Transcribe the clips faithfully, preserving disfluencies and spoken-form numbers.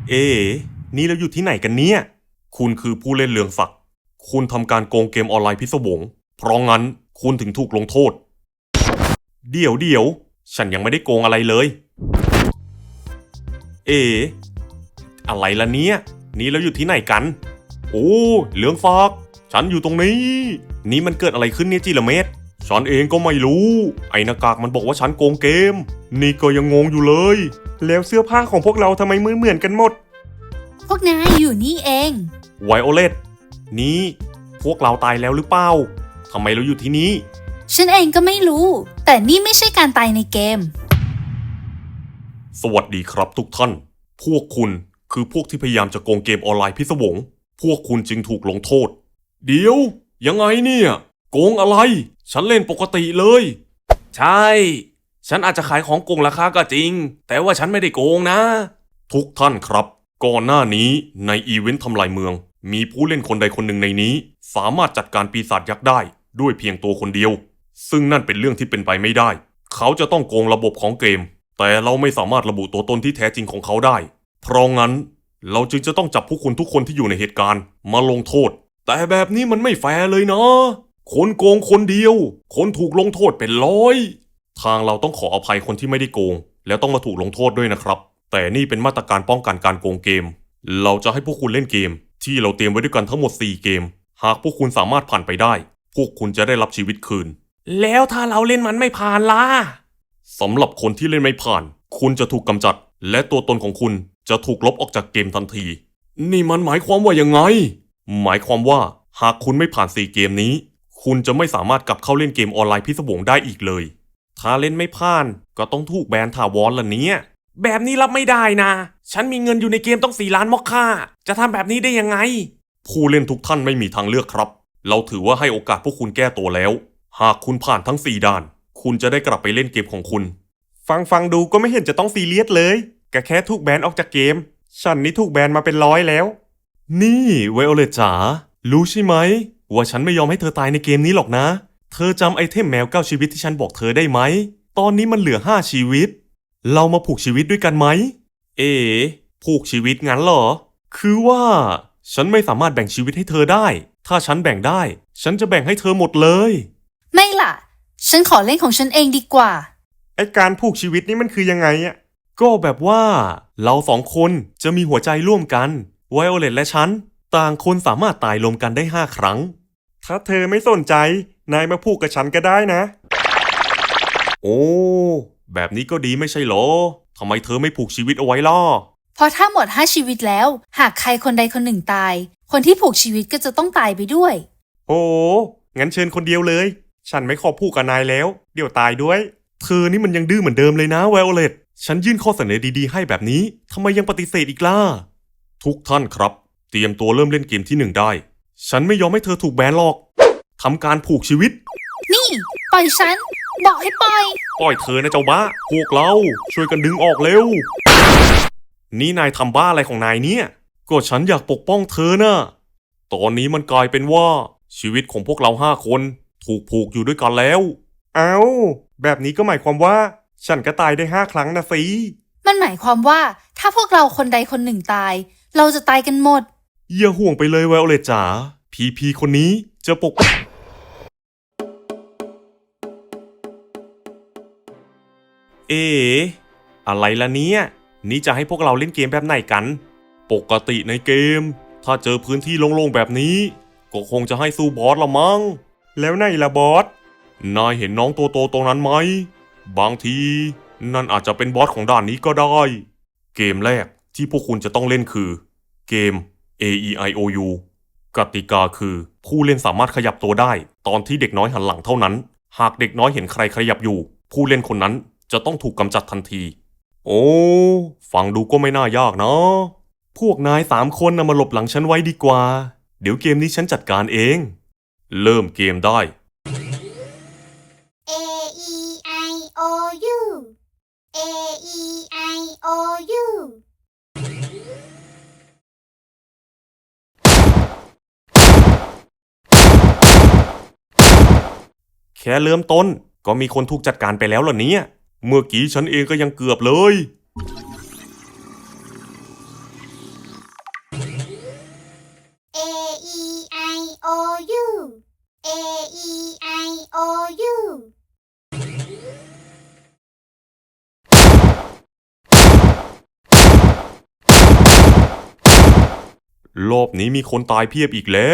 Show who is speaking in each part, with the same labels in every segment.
Speaker 1: เอ๋นี่เราอยู่ที่ไหนกันเนี่ยคุณคือผู้เล่นเรืองศักดิ์คุณทำการโกงเกมออนไลน์พิศวงเพราะงั้นคุณถึงถูกลงโทษเดี๋ยวเดี๋ยวฉันยังไม่ได้โกงอะไรเลยเอ๋อะไรล่ะเนี่ยนี่เราอยู่ที่ไหนกันโอ้เรืองศักดิ์ฉันอยู่ตรงนี้นี่มันเกิดอะไรขึ้นเนี่ยจิละเมธฉันเองก็ไม่รู้ไอ้หน้ากากมันบอกว่าฉันโกงเกมนี่ก็ยังงงอยู่เลยแล้วเสื้อผ้าของพวกเราทำไมเหมือนกันหมด
Speaker 2: พวกนายอยู่นี่เอง
Speaker 1: ไวโอเลตนี่พวกเราตายแล้วหรือเปล่าทำไมเราอยู่ที่นี้
Speaker 2: ฉันเองก็ไม่รู้ แต่นี่ไม่ใช่การตายในเกม
Speaker 1: สวัสดีครับทุกท่านพวกคุณคือพวกที่พยายามจะโกงเกมออนไลน์พิศวงพวกคุณจึงถูกลงโทษเดี๋ยวยังไงเนี่ยโกงอะไรฉันเล่นปกติเลยใช่ฉันอาจจะขายของโกงราคาก็จริงแต่ว่าฉันไม่ได้โกงนะทุกท่านครับก่อนหน้านี้ในอีเวนต์ทำลายเมืองมีผู้เล่นคนใดคนหนึ่งในนี้สามารถจัดการปีศาจยักษ์ได้ด้วยเพียงตัวคนเดียวซึ่งนั่นเป็นเรื่องที่เป็นไปไม่ได้เขาจะต้องโกงระบบของเกมแต่เราไม่สามารถระบุตัวตนที่แท้จริงของเขาได้เพราะงั้นเราจึงจะต้องจับผู้คุณทุกคนที่อยู่ในเหตุการณ์มาลงโทษแต่แบบนี้มันไม่แฟร์เลยนะคนโกงคนเดียวคนถูกลงโทษเป็นร้อยทางเราต้องขออภัยคนที่ไม่ได้โกงแล้วต้องมาถูกลงโทษด้วยนะครับแต่นี่เป็นมาตรการป้องกันการโกงเกมเราจะให้พวกคุณเล่นเกมที่เราเตรียมไว้ด้วยกันทั้งหมดสี่เกมหากพวกคุณสามารถผ่านไปได้พวกคุณจะได้รับชีวิตคืนแล้วถ้าเราเล่นมันไม่ผ่านล่ะสำหรับคนที่เล่นไม่ผ่านคุณจะถูกกำจัดและตัวตนของคุณจะถูกลบออกจากเกมทันทีนี่มันหมายความว่ายังไงหมายความว่าหากคุณไม่ผ่านสี่เกมนี้คุณจะไม่สามารถกลับเข้าเล่นเกมออนไลน์พิศวงได้อีกเลยถ้าเล่นไม่ผ่านก็ต้องถูกแบนถาวรล่ะเนี่ยแบบนี้รับไม่ได้นะฉันมีเงินอยู่ในเกมต้องสี่ล้านมอคค่าจะทำแบบนี้ได้ยังไงผู้เล่นทุกท่านไม่มีทางเลือกครับเราถือว่าให้โอกาสพวกคุณแก้ตัวแล้วหากคุณผ่านทั้งสี่ด่านคุณจะได้กลับไปเล่นเกมของคุณฟังฟังดูก็ไม่เห็นจะต้องซีเรียสเลยก็แค่ถูกแบนออกจากเกมฉันนี่ถูกแบนมาเป็นร้อยแล้วนี่ไวโอเลตจ๋ารู้ใช่ไหมว่าฉันไม่ยอมให้เธอตายในเกมนี้หรอกนะเธอจำไอเทมแมวเก้าชีวิตที่ฉันบอกเธอได้ไหมตอนนี้มันเหลือห้าชีวิตเรามาผูกชีวิตด้วยกันไหมเอ๋ผูกชีวิตงั้นเหรอคือว่าฉันไม่สามารถแบ่งชีวิตให้เธอได้ถ้าฉันแบ่งได้ฉันจะแบ่งให้เธอหมดเลย
Speaker 2: ไม่ล่ะฉันขอเล่นของฉันเองดีกว่า
Speaker 1: ไอการผูกชีวิตนี่มันคือยังไงอะก็แบบว่าเราสองคนจะมีหัวใจร่วมกันไวโอเลตและฉันต่างคนสามารถตายรวมกันได้ห้าครั้งถ้าเธอไม่สนใจนายมาผูกกับฉันก็ได้นะโอ้แบบนี้ก็ดีไม่ใช่เหรอทำไมเธอไม่ผูกชีวิตเอาไว้ล่ะ
Speaker 2: เพราะถ้าหมดห้าชีวิตแล้วหากใครคนใดคนหนึ่งตายคนที่ผูกชีวิตก็จะต้องตายไปด้วย
Speaker 1: โอ้งั้นเชิญคนเดียวเลยฉันไม่ขอผูกกับนายแล้วเดี๋ยวตายด้วยเธอนี่มันยังดื้อเหมือนเดิมเลยนะไวโอเลตฉันยื่นข้อเสนอดีๆให้แบบนี้ทำไมยังปฏิเสธอีกล่ะทุกท่านครับเตรียมตัวเริ่มเล่นเกมที่หนึ่งได้ฉันไม่ยอมให้เธอถูกแบนหรอกทำการผูกชีวิต
Speaker 2: นี่ปล่อยฉันบอกให้ปล่อย
Speaker 1: ปล่อยเธอนะเจ้าบ้าพวกเราช่วยกันดึงออกเร็วนี่นายทำบ้าอะไรของนายเนี่ยก็ฉันอยากปกป้องเธอนะตอนนี้มันกลายเป็นว่าชีวิตของพวกเราห้าคนถูกผูกอยู่ด้วยกันแล้วเอ้าแบบนี้ก็หมายความว่าฉันก็ตายได้ห้าครั้งนะสิ
Speaker 2: มันหมายความว่าถ้าพวกเราคนใดคนหนึ่งตายเราจะตายกันหมด
Speaker 1: อย่าห่วงไปเลยไวโอเลตจ๋าพีพีคนนี้จะปกเอ๋อะไรล่ะเนี่ยนี่จะให้พวกเราเล่นเกมแบบไหนกันปกติในเกมถ้าเจอพื้นที่โล่งๆแบบนี้ก็คงจะให้สู้บอสละมั้งแล้วไหนล่ะบอสนายเห็นน้องตัวโตตรงนั้นไหมบางทีนั่นอาจจะเป็นบอสของด่านนี้ก็ได้เกมแรกที่พวกคุณจะต้องเล่นคือเกม เอ อี ไอ โอ ยู กติกาคือผู้เล่นสามารถขยับตัวได้ตอนที่เด็กน้อยหันหลังเท่านั้นหากเด็กน้อยเห็นใครขยับอยู่ผู้เล่นคนนั้นจะต้องถูกกำจัดทันทีโอ้ฟังดูก็ไม่น่ายากนะพวกนายสามคนนำมาหลบหลังฉันไว้ดีกว่าเดี๋ยวเกมนี้ฉันจัดการเองเริ่มเกมได้
Speaker 3: A E I O U A E I O U
Speaker 1: แค่เริ่มต้นก็มีคนถูกจัดการไปแล้วเหรอเนี่ยเมื่อกี้ฉันเองก็ยังเกือบเลยรอบนี้มีคนตายเพียบอีกแล้ว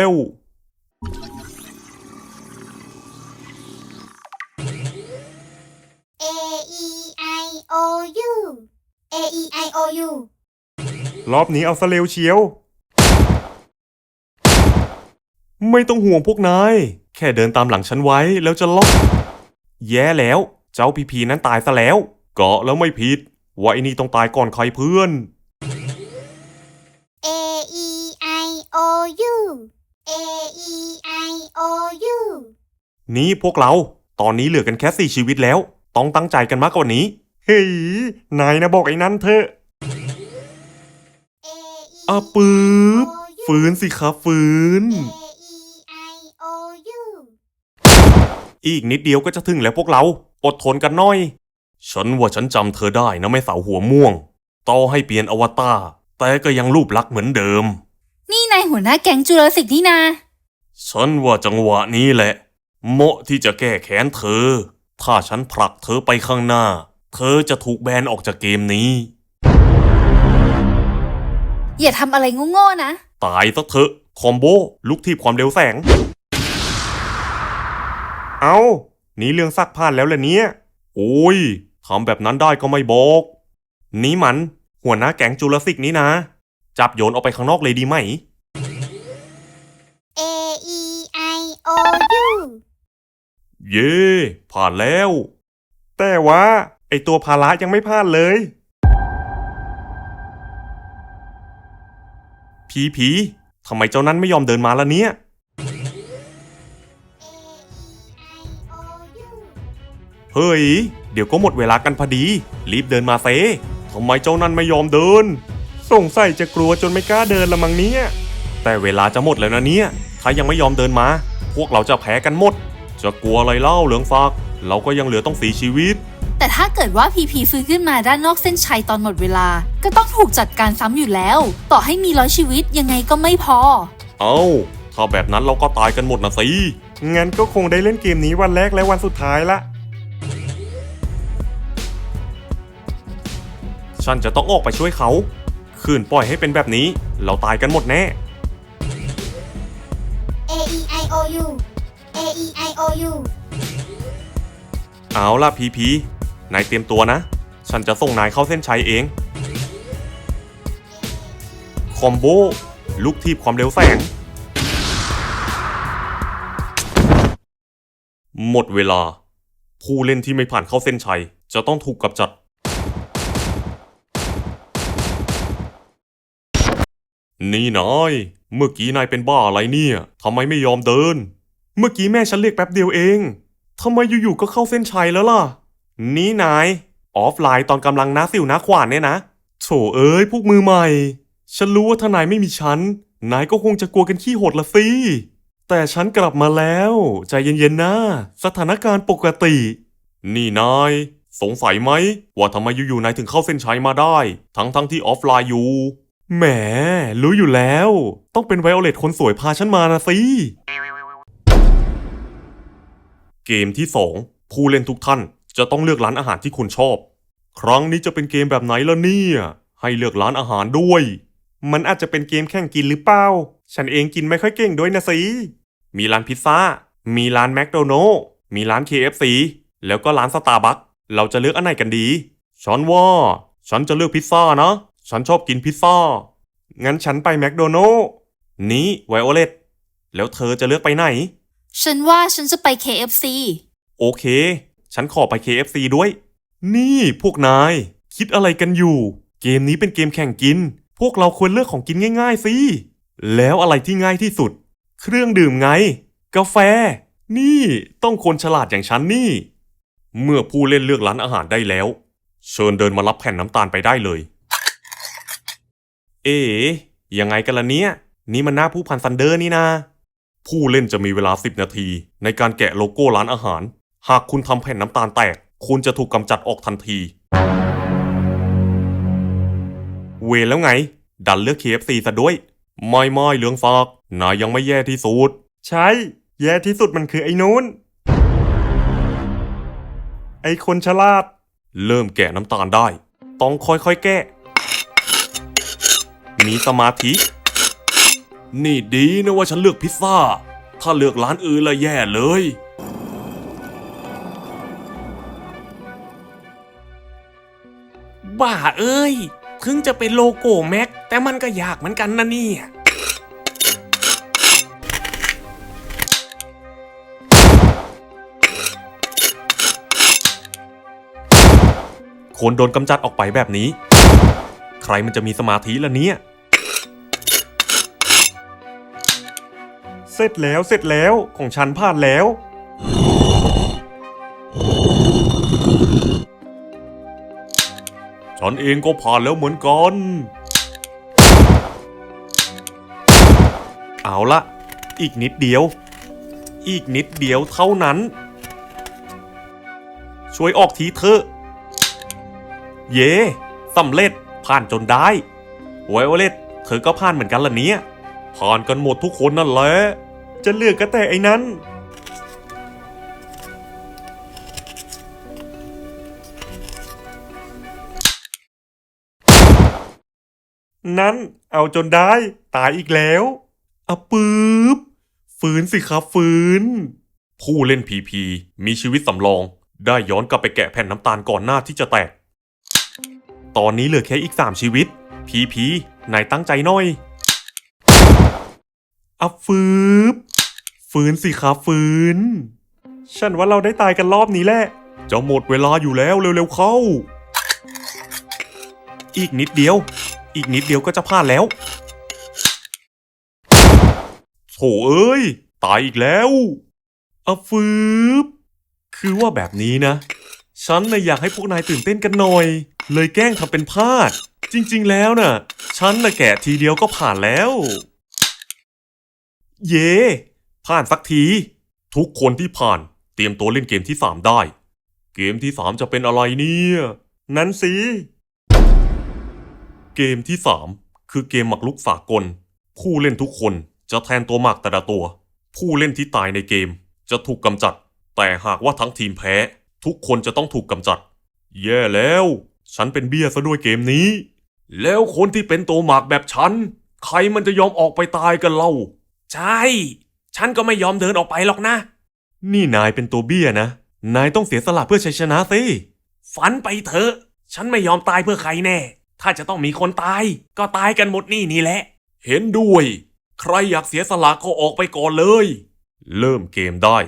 Speaker 3: A E I O U A E I O U
Speaker 1: รอบนี้เอาซะเร็วเชียว ไม่ต้องห่วงพวกนาย แค่เดินตามหลังฉันไว้แล้วจะล็อก แย่แล้ว เจ้าพีพีนั้นตายซะแล้วเกาะแล้วไม่ผิดว่าไอ้นี่ต้องตายก่อนใครเพื่อน
Speaker 3: A E I O U A E I O U
Speaker 1: นี่พวกเรา ตอนนี้เหลือกันแค่สี่ชีวิตแล้ว ต้องตั้งใจกันมากกว่านี้ เฮ้ย นายนะบอกไอ้นั้นเถอะ
Speaker 3: A E
Speaker 1: อ่ะปื๊บฝืนสิครับฝืน
Speaker 3: A E I O U
Speaker 1: อีกนิดเดียวก็จะถึงแล้วพวกเรา อดทนกันหน่อย ฉันว่าฉันจำเธอได้นะแม่สาวหัวม่วง ต่อให้เปลี่ยนอวตารแต่ก็ยังรูปลักษณ์เหมือนเดิม
Speaker 2: นี่นายหัวหน้าแก๊งจูราสสิกนี่นา
Speaker 1: ฉันว่าจังหวะนี้แหละ เหมาะที่จะแก้แค้นเธอ ถ้าฉันผลักเธอไปข้างหน้า เธอจะถูกแบนออกจากเกมนี้
Speaker 2: อย่าทำอะไรโง่ๆนะ
Speaker 1: ตายซะเถอะ คอมโบ ลุกทีบความเร็วแสง เอานี่เรื่องซักผ่านแล้วล่ะเนี่ย โอ้ยทำแบบนั้นได้ก็ไม่บอก นี่มัน หัวหน้าแก๊งจูราสสิกนี่นะ จับโยนออกไปข้างนอกเลยดีไหม
Speaker 3: A E I O U
Speaker 1: เย่ผ่านแล้ว แต่ว่าไอตัวภาระยังไม่ผ่านเลย ผีผีทำไมเจ้านั้นไม่ยอมเดินมาล่ะเนี่ย
Speaker 3: A E I O U
Speaker 1: เฮ้ย เดี๋ยวก็หมดเวลากันพอดี รีบเดินมาเซทำไมเจ้านั้นไม่ยอมเดิน สงสัยจะกลัวจนไม่กล้าเดินละมั้งเนี่ย แต่เวลาจะหมดแล้วนะเนี่ย ถ้ายังไม่ยอมเดินมา พวกเราจะแพ้กันหมด จะกลัวอะไรเล่าเหลืองฟากเราก็ยังเหลือต้องสีชีวิต
Speaker 2: แต่ถ้าเกิดว่าพีพีฟื้นขึ้นมาด้านนอกเส้นชัยตอนหมดเวลา ก็ต้องถูกจัดการซ้ำอยู่แล้ว ต่อให้มีร้อยชีวิตยังไงก็ไม่พอ
Speaker 1: เอา้า ถ้าแบบนั้นเราก็ตายกันหมดนะสิ งั้นก็คงได้เล่นเกมนี้วันแรกและวันสุดท้ายละ ฉันจะต้องออกไปช่วยเขา คืนปล่อยให้เป็นแบบนี้ เราตายกันหมดแน่
Speaker 3: A E I O U A E I O U
Speaker 1: เอาล่ะพีพีนายเตรียมตัวนะ ฉันจะส่งนายเข้าเส้นชัยเอง คอมโบ ลุกทีบความเร็วแสง หมดเวลา ผู้เล่นที่ไม่ผ่านเข้าเส้นชัย จะต้องถูกกำจัด นี่นาย เมื่อกี้นายเป็นบ้าอะไรเนี่ยทำไมไม่ยอมเดิน เมื่อกี้แม่ฉันเรียกแป๊บเดียวเองทำไมอยู่ๆก็เข้าเส้นชัยแล้วล่ะ นี่นาย ออฟไลน์ตอนกำลังน้าสิวน้าขวานเนี่ยนะโถเอ้ยพวกมือใหม่ ฉันรู้ว่าถ้านายไม่มีฉัน นายก็คงจะกลัวกันขี้หดละสิ แต่ฉันกลับมาแล้ว ใจเย็นๆนะ สถานการณ์ปกติ นี่นาย สงสัยไหมว่าทำไมอยู่ๆนายถึงเข้าเส้นชัยมาได้ ทั้งๆที่ออฟไลน์อยู่ แหม รู้อยู่แล้ว ต้องเป็นไวโอเลตคนสวยพาฉันมานะสิ เกมที่สองผู้เล่นทุกท่านจะต้องเลือกร้านอาหารที่คุณชอบ ครั้งนี้จะเป็นเกมแบบไหนล่ะเนี่ย ให้เลือกร้านอาหารด้วย มันอาจจะเป็นเกมแข่งกินหรือเปล่า ฉันเองกินไม่ค่อยเก่งด้วยนะสิ มีร้านพิซซ่า มีร้านแมคโดนัลด์มีร้าน เค เอฟ ซี แล้วก็ร้านสตาร์บัคเราจะเลือกอันไหนกันดี ฉันว่า ฉันจะเลือกพิซซ่านะ ฉันชอบกินพิซซ่า งั้นฉันไปแมคโดนัลด์นี่ไวโอเลตแล้วเธอจะเลือกไปไหน
Speaker 2: ฉันว่าฉันจะไป เค เอฟ ซี
Speaker 1: โอเค ฉันขอไป เค เอฟ ซี ด้วย นี่พวกนาย คิดอะไรกันอยู่ เกมนี้เป็นเกมแข่งกิน พวกเราควรเลือกของกินง่ายๆสิ แล้วอะไรที่ง่ายที่สุด เครื่องดื่มไง กาแฟ นี่ต้องคนฉลาดอย่างฉันนี่ เมื่อผู้เล่นเลือกร้านอาหารได้แล้ว เชิญเดินมารับแผ่นน้ำตาลไปได้เลย เอ๋ยังไงกันล่ะเนี่ย นี่มันหน้าผู้พันซันเดอร์นี่นา ผู้เล่นจะมีเวลาสิบนาทีในการแกะโลโก้ร้านอาหาร หากคุณทำแผ่นน้ำตาลแตก คุณจะถูกกำจัดออกทันที เวรแล้วไง ดันเลือก เค เอฟ ซี ซะด้วย ไม่ไม่เหลืองฟากนายยังไม่แย่ที่สุด ใช่ แย่ที่สุดมันคือไอ้นู้น ไอ้คนฉลาด เริ่มแกะน้ำตาลได้ ต้องค่อยๆแกะ มีสมาธินี่ดีนะว่าฉันเลือกพิซซ่า ถ้าเลือกร้านอื่นละแย่เลย
Speaker 4: บ้าเอ้ย ถึงจะเป็นโลโก้แม็กแต่มันก็ยากเหมือนกันนะเนี่ย
Speaker 1: คนโดนกำจัดออกไปแบบนี้ ใครมันจะมีสมาธิล่ะเนี่ย เสร็จแล้วเสร็จแล้วของฉันผ่านแล้ว ฉันเองก็ผ่านแล้วเหมือนกัน เอาละอีกนิดเดียว อีกนิดเดียวเท่านั้น ช่วยออกทีเถอะ เย่สำเร็จผ่านจนได้ไวโอเลตเธอก็ผ่านเหมือนกันล่ะเนี่ยผ่านกันหมดทุกคนนั่นแหละจะเลือกก็แต่ไอ้นั้นนั้นเอาจนได้ตายอีกแล้วอะปื๊บฟื้นสิครับฟื้นผู้เล่นพีพีมีชีวิตสำรองได้ย้อนกลับไปแกะแผ่นน้ำตาลก่อนหน้าที่จะแตกตอนนี้เหลือแค่อีกสามชีวิตพีพีนายตั้งใจหน่อยอับฟืบฟื้นสิครับฟื้นฉันว่าเราได้ตายกันรอบนี้แหละจะหมดเวลาอยู่แล้วเร็วๆเข้าอีกนิดเดียวอีกนิดเดียวก็จะผ่านแล้วโถเอ้ยตายอีกแล้วอับฟืบคือว่าแบบนี้นะฉันน่ะอยากให้พวกนายตื่นเต้นกันหน่อยเลยแกล้งทำเป็นพลาดจริงๆแล้วน่ะฉันน่ะแกะทีเดียวก็ผ่านแล้วเย่ผ่านสักทีทุกคนที่ผ่านเตรียมตัวเล่นเกมที่สามได้เกมที่สามจะเป็นอะไรเนี่ยนั้นสิเกมที่สามคือเกมหมากรุกสากลผู้เล่นทุกคนจะแทนตัวหมากแต่ละตัวผู้เล่นที่ตายในเกมจะถูกกำจัดแต่หากว่าทั้งทีมแพ้ทุกคนจะต้องถูกกำจัดแย่แล้วฉันเป็นเบี้ยซะด้วยเกมนี้แล้วคนที่เป็นตัวหมากแบบฉันใครมันจะยอมออกไปตายกันเล่า
Speaker 4: ใช่ ฉันก็ไม่ยอมเดินออกไปหรอกนะ
Speaker 1: นี่นายเป็นตัวเบี้ยนะนายต้องเสียสละเพื่อชัยชนะสิ
Speaker 4: ฝันไปเถอะฉันไม่ยอมตายเพื่อใครแน่ถ้าจะต้องมีคนตายก็ตายกันหมดนี่นี่แหละ
Speaker 1: เห็นด้วยใครอยากเสียสละก็ออกไปก่อนเลยเริ่มเกมได้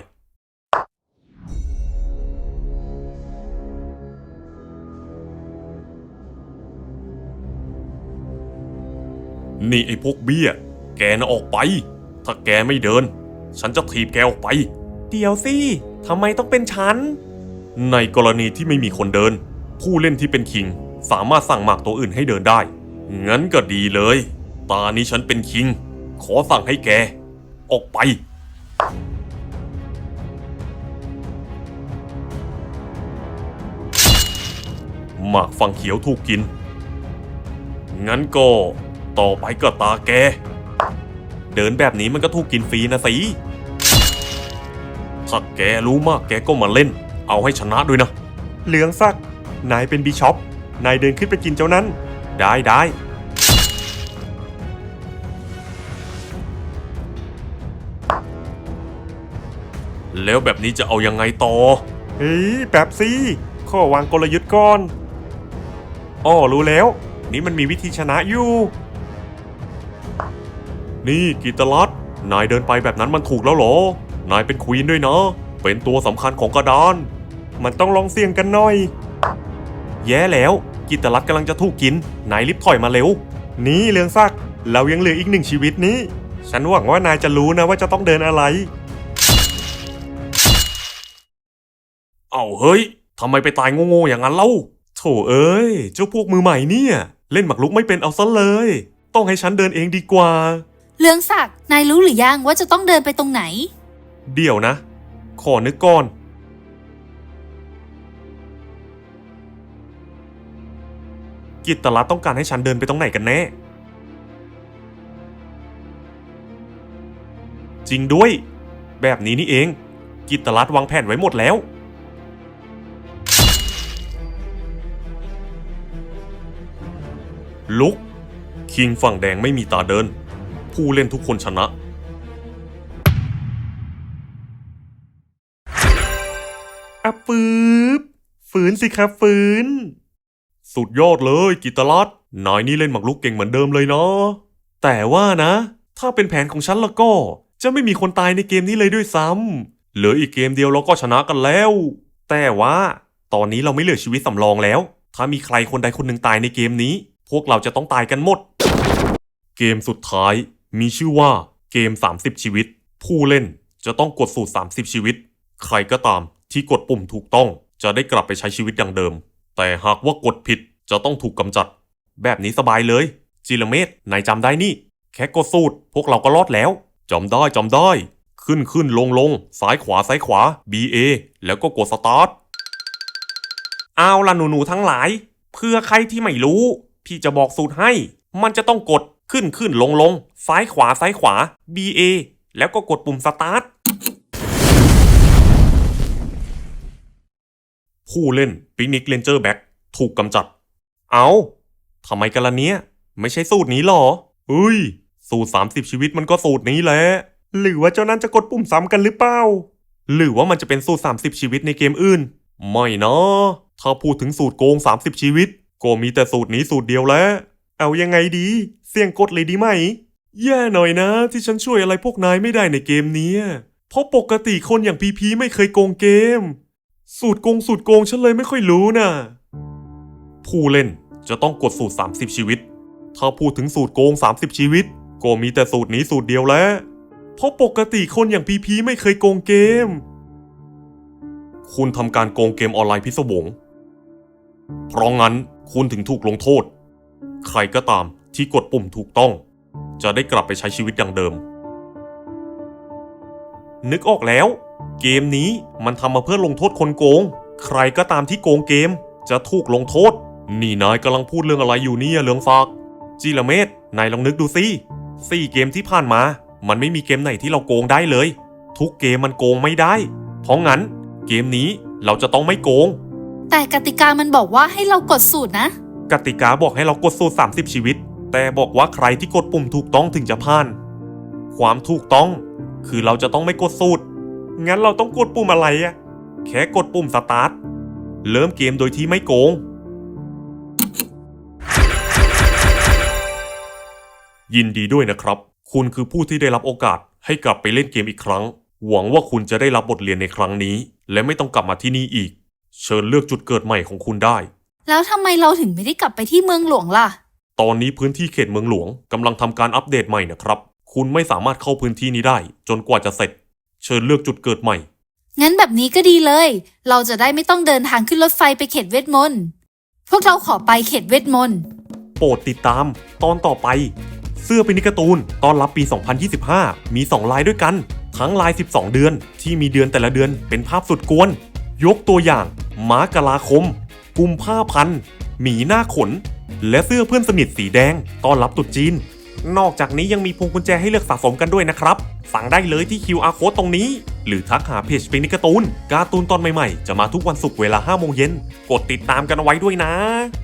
Speaker 1: นี่ไอ้พวกเบี้ยแกน่ะออกไปถ้าแกไม่เดินฉันจะถีบแกออกไปเดี๋ยวสิทำไมต้องเป็นฉันในกรณีที่ไม่มีคนเดินผู้เล่นที่เป็นคิงสามารถสั่งหมากตัวอื่นให้เดินได้งั้นก็ดีเลยตานี้ฉันเป็นคิงขอสั่งให้แกออกไปหมากฝั่งเขียวถูกกินงั้นก็ต่อไปก็ตาแกเดินแบบนี้มันก็ถูกกินฟรีนะสิถ้าแกรู้มากแกก็มาเล่นเอาให้ชนะด้วยนะเหลืองซักนายเป็นบิชอปนายเดินขึ้นไปกินเจ้านั้นได้ได้แล้วแบบนี้จะเอายังไงต่อเฮ้ยแบบสิข้อวางกลยุทธ์ก่อนอ้อรู้แล้วนี่มันมีวิธีชนะอยู่นี่กิตลัดนายเดินไปแบบนั้นมันถูกแล้วเหรอนายเป็นควีนด้วยนะเป็นตัวสำคัญของกระดานมันต้องลองเสี่ยงกันหน่อยแย่แล้วกิตลัดกำลังจะถูกกินนายรีบถอยมาเร็วนี่เรืองซักเรายังเหลืออีกหนึ่งชีวิตนี้ฉันหวังว่านายจะรู้นะว่าจะต้องเดินอะไรเอ้าเฮ้ยทำไมไปตายโง่ๆอย่างนั้นเล่าโถเอ้ยเจ้าพวกมือใหม่เนี่ยเล่นหมากรุกไม่เป็นเอาซะเลยต้องให้ฉันเดินเองดีกว่า
Speaker 2: เรืองศักดิ์นายรู้หรือยังว่าจะต้องเดินไปตรงไหน
Speaker 1: เดี๋ยวนะขอนึกก่อนกิตตลัดต้องการให้ฉันเดินไปตรงไหนกันแน่จริงด้วยแบบนี้นี่เองกิตตลัดวางแผนไว้หมดแล้วลุกคิงฝั่งแดงไม่มีตาเดินผู้เล่นทุกคนชนะอ่ะปื๊บฝืนสิครับฝืนสุดยอดเลยกิตลัดนายนี่เล่นหมากรุกเก่งเหมือนเดิมเลยเนาะแต่ว่านะถ้าเป็นแผนของฉันแล้วก็จะไม่มีคนตายในเกมนี้เลยด้วยซ้ำเหลืออีกเกมเดียวเราก็ชนะกันแล้วแต่ว่าตอนนี้เราไม่เหลือชีวิตสำรองแล้วถ้ามีใครคนใดคนหนึ่งตายในเกมนี้พวกเราจะต้องตายกันหมดเกมสุดท้ายมีชื่อว่าเกมสามสิบชีวิตผู้เล่นจะต้องกดสูตรสามสิบชีวิตใครก็ตามที่กดปุ่มถูกต้องจะได้กลับไปใช้ชีวิตอย่างเดิมแต่หากว่ากดผิดจะต้องถูกกำจัดแบบนี้สบายเลยจิรเมธนายจำได้นี่แค่กดสูตรพวกเราก็รอดแล้วจำได้จำได้ขึ้นขึ้นลงลงซ้ายขวาซ้ายขวา บี เอ แล้วก็กดสตาร์ท
Speaker 4: เอาล่ะหนูๆทั้งหลายเพื่อใครที่ไม่รู้พี่จะบอกสูตรให้มันจะต้องกดขึ้นขึ้นลงลงซ้ายขวาซ้ายขวา บี เอ แล้วก็กดปุ่มสตาร์ท
Speaker 1: ผู้เล่นปิกนิกเรนเจอร์แบ็กถูกกำจัดเอาทำไมกันล่ะเนี้ยไม่ใช่สูตรนี้หรอเฮ้ยสูตรสามสิบชีวิตมันก็สูตรนี้แหละหรือว่าเจ้านั้นจะกดปุ่มซ้ำกันหรือเปล่าหรือว่ามันจะเป็นสูตรสามสิบชีวิตในเกมอื่นไม่นะถ้าพูดถึงสูตรโกงสามสิบชีวิตก็มีแต่สูตรนี้สูตรเดียวแล้วเอายังไงดีเสี่ยงกดเลยดีไหมแย่หน่อยนะที่ฉันช่วยอะไรพวกนายไม่ได้ในเกมนี้เพราะปกติคนอย่างพีพีไม่เคยโกงเกมสูตรโกงสูตรโกงฉันเลยไม่ค่อยรู้นะผู้เล่นจะต้องกดสูตรสามสิบชีวิตถ้าพูดถึงสูตรโกงสามสิบชีวิตก็มีแต่สูตรนี้สูตรเดียวแล้วเพราะปกติคนอย่างพีพีไม่เคยโกงเกมคุณทำการโกงเกมออนไลน์พิศวงเพราะงั้นคุณถึงถูกลงโทษใครก็ตามที่กดปุ่มถูกต้องจะได้กลับไปใช้ชีวิตอย่างเดิมนึกออกแล้วเกมนี้มันทำมาเพื่อลงโทษคนโกงใครก็ตามที่โกงเกมจะถูกลงโทษนี่นายกำลังพูดเรื่องอะไรอยู่เนี่ยเรืองฝากจิรเมธนายลองนึกดูสิสี่เกมที่ผ่านมามันไม่มีเกมไหนที่เราโกงได้เลยทุกเกมมันโกงไม่ได้เพราะงั้นเกมนี้เราจะต้องไม่โกง
Speaker 2: แต่กติกามันบอกว่าให้เรากดสูตรนะ
Speaker 1: กติกาบอกให้เรากดสูตรสามสิบชีวิตแต่บอกว่าใครที่กดปุ่มถูกต้องถึงจะผ่านความถูกต้องคือเราจะต้องไม่กดสูตรงั้นเราต้องกดปุ่มอะไรอะแค่กดปุ่มสตาร์ทเริ่มเกมโดยที่ไม่โกงยินดีด้วยนะครับคุณคือผู้ที่ได้รับโอกาสให้กลับไปเล่นเกมอีกครั้งหวังว่าคุณจะได้รับบทเรียนในครั้งนี้และไม่ต้องกลับมาที่นี่อีกเชิญเลือกจุดเกิดใหม่ของคุณได้
Speaker 2: แล้วทำไมเราถึงไม่ได้กลับไปที่เมืองหลวงล่ะ
Speaker 1: ตอนนี้พื้นที่เขตเมืองหลวงกำลังทำการอัปเดตใหม่นะครับคุณไม่สามารถเข้าพื้นที่นี้ได้จนกว่าจะเสร็จเชิญเลือกจุดเกิดใหม่
Speaker 2: งั้นแบบนี้ก็ดีเลยเราจะได้ไม่ต้องเดินทางขึ้นรถไฟไปเขตเวทมนต์พวกเราขอไปเขตเวทมนต์
Speaker 1: โปรดติดตามตอนต่อไปเสื้อปินิการ์ตูนตอนรับปีสองพันยี่สิบห้ามีสองลายด้วยกันทั้งลายสิบสองเดือนที่มีเดือนแต่ละเดือนเป็นภาพสุดกวนยกตัวอย่างม้ากลาคมกุมภาพันธ์หมีหน้าขนและเสื้อเพื่อนสนิทสีแดงต้อนรับตรุษจีนนอกจากนี้ยังมีพวงกุญแจให้เลือกสะสมกันด้วยนะครับสั่งได้เลยที่ คิว อาร์ Code ตรงนี้หรือทักหาเพจปินิการ์ตูนการ์ตูนตอนใหม่ๆจะมาทุกวันศุกร์เวลาห้าโมงเย็นกดติดตามกันเอาไว้ด้วยนะ